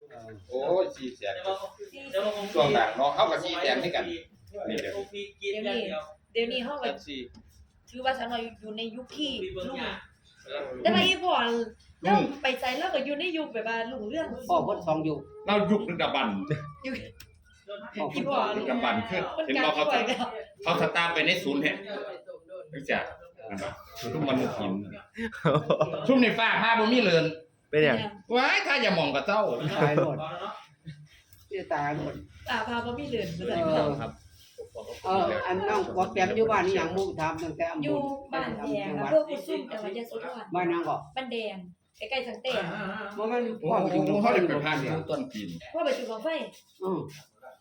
โอ้ย4แสนช่วงหลังเนาะเฮาก็4แสนด้วยกันนี่เด้อเดี๋ยวนี้เฮาก็ ถือว่าฉันเราอยู่ในยุคที่ลุงแต่ว่าอีพ่อเราไปใจแล้วก็อยู่ในยุคแบบว่าลุงเรื่องพ่อเพิ่น2ยุคเรายุคดึกดำบรรพ์อยู่พ่ออีเพิ่นพ่อดึกดำบรรพ์คือเห็นบ่เขาสตาร์ทไปในศูนย์แห่จังซี่ทุกมนุษย์หินซุ่มในฟ้าผ้าบ่มีเรือนเป็นหยังว้ายถ้าอย่ามองกับเจ้าตายหมดนี่ตายหมดป่าพาบ่มีเรือนบ่ได้ครับอันน้องบ่แก้มอยู่บ้านนี่หยังมุกถามตั้งแต่อำอยู่บ้านแดงอำเภอกุสุมจังหวัดยโสธรบ้านนางก็บ้านแดงใกล้ๆสังเตนบ่แม่นโอ้พ่อไปอยู่โหเขาได้ไปผ่านต้นปีนพ่อไปจุดบังไฟอือ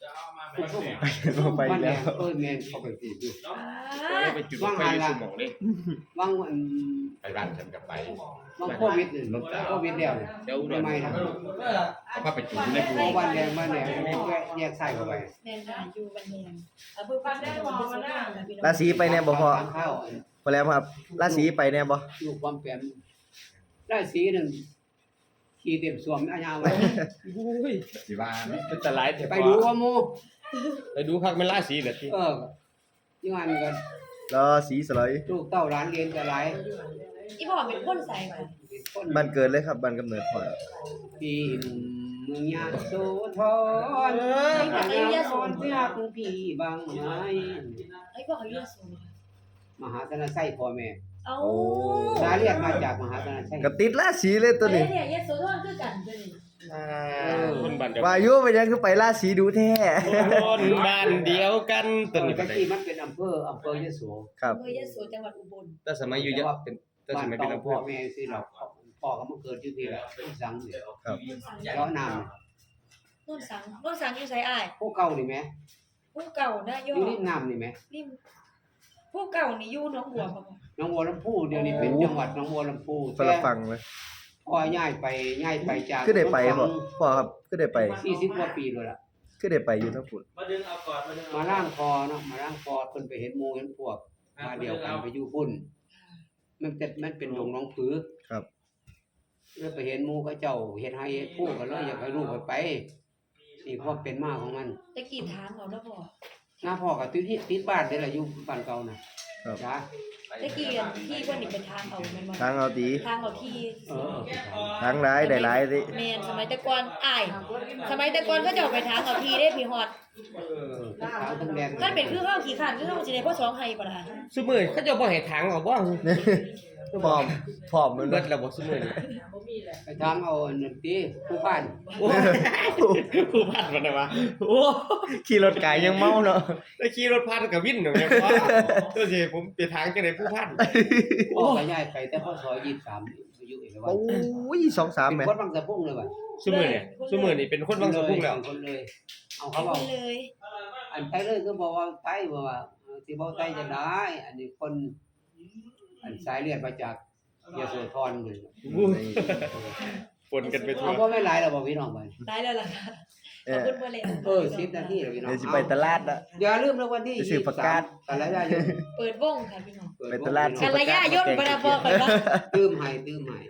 ไปบ้านแดแล้งวแม่นเขาไปติดอยู่ไปจุดไฟสมองเลยวางไปบ้านฉันกับไปวางโควิดนี่โควิดแล้วเดี๋ยวใหม่ๆนะเขาพาไปจุดในภูบ้านแดงแยกซ้ายเข้าไปแม่นค่ะอยู่บ้านแดงอำเภอกุสุมจังหวัดยโสธรค่ะพี่น้องราศีไปแน่บ่พ่อข้าวพอแล้วครับราศีไปแน่บ่อยู่ความแปมราศีนึงขี่เต็มสวมอาญาไว้สิว่าเป็นตะไลายไปดูว่าหมู่ไปดูคักแม่นราศีแบบที่อยู่อันก็ราศีสลอยลูกเต้าหลานเรียนก็หลายอีพ่อเป็นคนใส่ค่ะคนบ้านเกิดเลยครับบ้านกำเนิดพ่อปีหนุ่มเมืองยะโสธรยะโสธรเพื่อคุณพี่บางไม้ไอ้พ่อเขาเรียกสูงมหาธนไส้พ่อแม่เอ้าสาเรียกมาจากมหาธนไส้ก็ติดราศีเลยตัวนี้เนี่ยยโสธรคือกันตัวนี้คนบ้านเดียววายุเป็นยังคือไปราศีดูแท้คนบ้านเดียวกันต้นนี้ตะกี้มันเป็นอำเภอยะโสครับอำเภอยโสจังหวัดอุบลแต่สมัยอยู่เยอะเป็นแต่สมัยเป็นอำเภพ่ออแม่สิเราพ่อก็มาเกิดอยู่ที่ละสังนี่ครับเจ้าน้โน่นสังอยู่ไสอ้ายำผู้เก่านี่แหมผู้เก่านะอย ยู่อริมน้ำนี่แหมริมผู้เก่านี่อยู่หนองบัวบ่หนองบัวลำพูเดี๋ยวนี้เป็นจังหวัดหนองบัวลำพูคนละฝั่งเลยพ่อย้ายไปจากคือได้ไปพ่อครับคือได้ไป 40กว่าปีแล้วล่ะคือได้ไปอยู่ทั้งฝุ่นมาล่างคอเนาะมาล่างคอเพิ่นไปเห็นหมู่เห็นพวกมาเดียวกันไปอยู่พุ่นมันเป็นดงหนองผือครับแล้วไปเห็นหมู่เขาเจ้าเฮ็ดให้เฮ็ดผู้ก็เลยอยากให้ลูกไปนี่ความเป็นมาของมันตะกี้ถามเขาเนาะพ่อหน้าพ่อก็ติดบ้านเด้ล่ะอยู่บ้านเก่าน่ะครับจ้าตะกี้ที่เพิ่นนี่เป็นทางเอาแม่นบ่ทางเอาตีทางเอาที่เออทางร้ายได้ร้ายสิแม่นสมัยแต่ก่อนอ้ายสมัยแต่ก่อนเขาจะเอาไปทางเอาที่ได้พี่ฮอดทั้งขาวทั้งแดงคันเป็นคือเฮาขี้ข้านคือเฮาสิได้พ่อสองให้บ่ล่ะซุมื้อเขาเจ้าบ่ให้ทางเอาบ่พร้อมมันเบิดแล้วบ่ซุมื้อนี่ไปทางเอาอันนั้นติผู้บ้านโอ้ผู้พันมันน่ะวะโอ้ขี่รถไก่ยังเมาเนาะได้ขี่รถพันกับวินเนี่ยพ่อตัวสิผมไปทางจังได๋ผู้พันพ่อก็ย้ายไปแต่พ่อซอย23อายุเอกวัโอ้นย2-3แหมเป็นคนบางสะพุ่งเลยว่ะซุมื้อนี่เป็นคนบางสะพุ่งแล้วคนเลยเอาเขาเขาบอกเลยอันไปเลยก็บอกว่าไปบอกว่าสิบ่ไปจะได้ อันนี้คนอันสายเลือดมาจากยโสธรเลยปนกันไปทั่วเอาบ่ไม่หลายแล้วบ่พี่น้องไปตายแล้วล่ะขอบคุณบ่เลย 10นาทีแล้วพี่น้องเดี๋ยวสิไปตลาดละอย่าลืมนะวันที่ไปซื้อประกาศ 23กันยายนเปิดวงค่ะพี่น้องไปตลาดกันระยะยนต์บ่ได้บอกกันว่าตื้มให้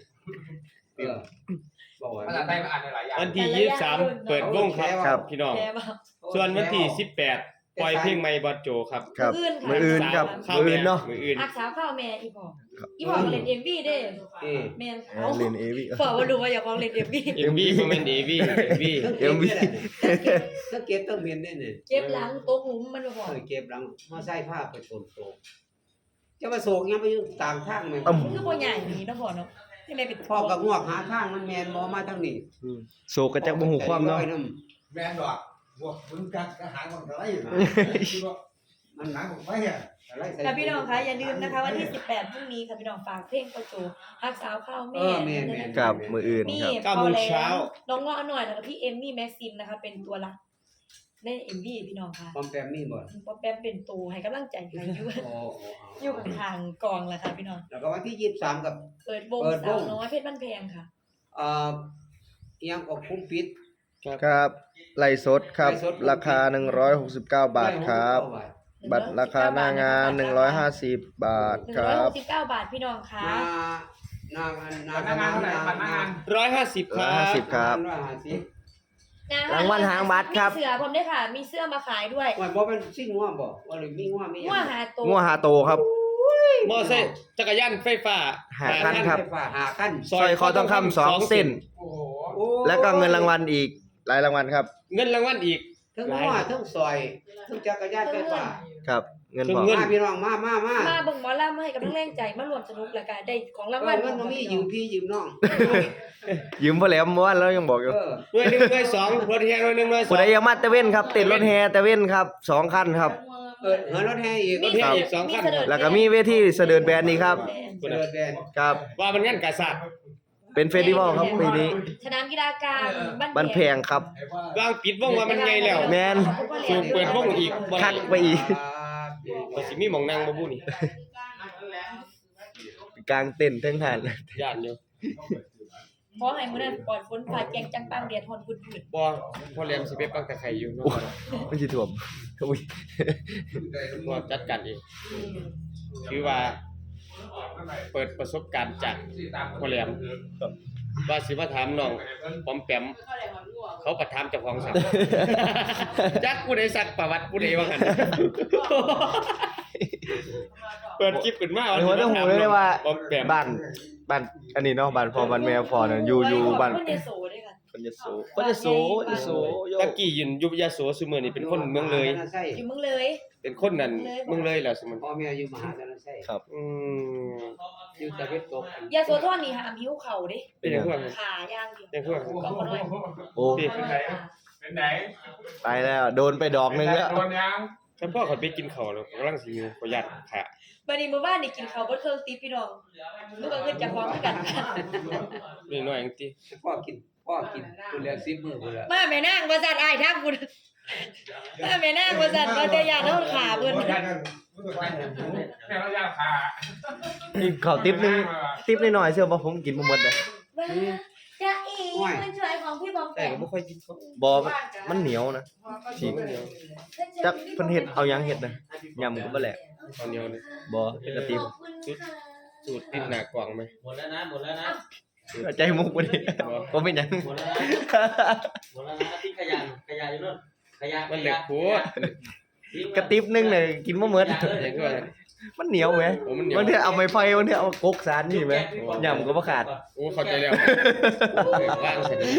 บอกว่าภาษาไทยมันอ่านได้หลายอย่างวันที่23เปิดวงครับพี่น้องแกบ่ส่วนวันที่18ปล่อยเพลงใหม่บอสโจครับครับมื้มื้อออื่อื่นนคครัรับ บมื้ออื่นเนาะมื้ออื่นอักษาข้าวแม่อีพ่ออีพ่อก็เล่น MV เด้เอ๊ะแม่นเล่น AV พ่อบ่รู้ว่าอยากลองเล่น MV MV บ่แม่น AV MV ต้องเก็บต้องเมียนได้เนี่ยเจ็บหลังตกหลุมมันบ่พอเก็บหลังมาใส่ผ้าไปโศกจะมาโศกยังไปอยู่ตามทางไหมคือบ่ใหญ่นี่เนาะพ่อเนาะจังได๋เป็นพ่อกับงวกหาทางมันแมนบ่มาทางนี้โศกก็จักบ่ฮู้ความเนาะแม่นดอกพวกมึงกัดกระหางของอะไรมันหนังของไฟอ่ะค่ะพี่น้องคะอย่าลืมนะคะวันที่18พรุ่งนี้ค่ะพี่น้องฝากเพลงประจูฮักสาวข้าวแม่ครับมื้ออื่นมีครับ 9 โมงเช้าน้องเงาะหน่อยแล้วก็พี่เอมมี่แม็กซิมนะคะเป็นตัวหลักใน MV พี่น้องค่ะปอมแปมนี่บ่ป๊อปแปมเป็นตัวให้กำลังใจให้อยู่โอ้อยู่ข้างๆกองแหละค่ะพี่น้องแล้วก็วันที่23กับเปิดวงสาวน้อยเพชรบ้านแพงค่ะเอ่อยังก็คุ้มปิดครับไลฟ์สดครับ ราคา169 บาทครับ บัตรราคาหน้างาน150 บาทครับ 169 บาทพี่น้องค่ะนางพนักงานเท่าไหร่พนักงาน 150ครับ 150ครับ 150 รางวัลหางบัตรครับมีเสื้อผมด้วยค่ะ มีเสื้อมาขายด้วยว่าบ่เป็นสิ่งง่วงบ่ว่าหรือมีง่วงมีหยังงัวหาตัวงัวหาโตครับมอไซค์จักรยานไฟฟ้าหาคันครับไฟฟ้าหาขั้นสร้อยคอทองคำ2 เส้นโอ้โหโอ้แล้วก็เงินรางวัลอีกหลายรางวัลครับเงินรางวัลอีกทั้งง่วงทั้งซอยทั้งจักรยานไฟฟ้าครับ เงินถึงพอเงินมาพี่น้องมามาเบิ่งหมอลำให้กำลังแรงใจมารวมสนุกแล้วก็ได้ของรางวัลเงินบ่มียืมพี่ยืมน้องยืมพ่อแหลมเมื่อวานแล้วยังบอกอยู่เออหน่วยหนึ่งหน่วยสองรถแห่หน่วยหนึ่งหน่วยสอผู้งใดยังมาตะเว้นครับติดรถแฮตะเว้นครับ2 คันครับเหินรถแห่อีกรถแห่อีก2คันแล้วก็มีเวทีเสด็จแบนนี่ครับเดินแดนครับว่ามันงั้นกษัตริย์เป็นเฟสติวัลครับปีนี้สนามกีฬากลางบ้านแพงครับไอ้ว่าวางปิดวงว่ามันไงแล้วแมนสูงเปิดวงอีกบ่คักไปอีกก็สิมีหม่องนั่งบ่บุนี่กลางเต็นท์ทั้งหันย่านอยู่เพราะให้มื้อนั้นปลอดฝนฟ้าแจงจังปังแดดฮ้อนบุดบ่พ่อแหลมสิไปปักตะไคร้อยู่เนาะไม่ใช่ถ่วมอุ้ยบ่จัดการเองคือว่า เปิดประสบการณ์จากพ่อแหลมว่าสิมาถามน้องปอมแปมเขาประถามเจ้าของสัก จักผู้ใดสักประวัติผู้ใดว่ากันเปิดคลิปขึ้นมาในหัวต้องหูเลยว่าปอมแปมบ้านอันนี้เนาะบ้านพ่อบ้านแม่พ่อน่ะอยู่บ้านคนยโสด้วยค่ะคนยโสคนยโสยโสโยตะกี้ยืนอยู่ยโสซุมื้อนี้เป็นคนเมืองเลยอยู่เมืองเลยเป็นคนนั่นเมืองเลยแล้วซุมื้อพ่อแม่อยู่มหาชนชัยครับอืมอยู่ตะเวนตกยาโสธรนี่หามหิวเข่าเด้เป็นจังพวกขาย่างเดียวจังพวกก็บ่น้อยโอ้เป็นไหนเป็นไหนไปแล้วโดนไปดอกหนึงแล้วโดนยังถ้าพ่อเขาไปกินข้าวแล้วกำลังสิอยู่ขอยัดขาบัดนี้มื้อวานนี่กินข้าวบ่เครื่องติพี่น้องลูกก็ขึ้นจากพร้อมคือกันนี่น้อยจังติพ่อกินคุณแล้ว10มื้อพุ่นละมาแม่นางบ่ซัดอ้ายทางคุณมาแม่นางบ่ซัดบ่แต่ยานเฮาขาเพิ่นแม่เราอยากขานี่ขอติ๊บนึงติ๊บหน่อยๆเชื่อว่าผมกินบ่หมดเลยจะอีคนสวยของพี่บอมแต่แปมก็บ่ค่อยกินข้าวบ่มันเหนียวนะฉีกเหนียวจักเพิ่นเฮ็ดเอาหยังเฮ็ดนะยำก็บ่แหลกเอาเหนียวนี่บ่เป็นกระติบสูตรติดหน้ากล่องไหมหมดแล้วนะหมดแล้วนะใจมุกบ่นี่บ่เป็นหยังหมดแล้วนะหมดแล้วนะทิ้งขยะอยู่นู่นขยะมันเหล็กโพดกระติบนึงน่ะกินบ่หมดอย่างที่ว่ามันเหนียวแหมโอ้มันเหนียวบางทีเอาไม้ไฟบางทีเอากกสารนี่แหมยำก็บ่ขาดโอ้เข้าใจแล้วว่างเสร็จ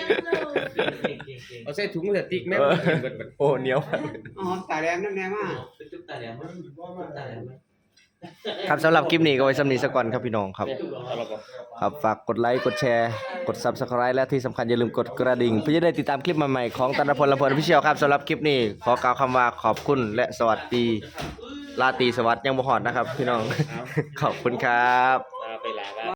เอาใส่ถุงพลาสติกแม่กินเบิดโอ้เหนียวอ๋อตาแดงนั่นแน่มาเป็นตุ๊กตาแหลมตุ๊กตาแหลมครับสำหรับคลิปนี้ก็ไว้สำนี้ซะก่อนครับพี่น้องครับเอาละบ่ครับฝากกดไลค์กดแชร์กด Subscribe และที่สำคัญอย่าลืมกดกระดิ่งเพื่อจะได้ติดตามคลิปใหม่ๆของตันพลลำเพลินพิเชียวครับสำหรับคลิปนี้ขอกล่าวคำว่าขอบคุณและสวัสดีราตรีสวัสดิ์ยังบ่ฮอดนะครับพี่น้องขอบคุณครับไปลา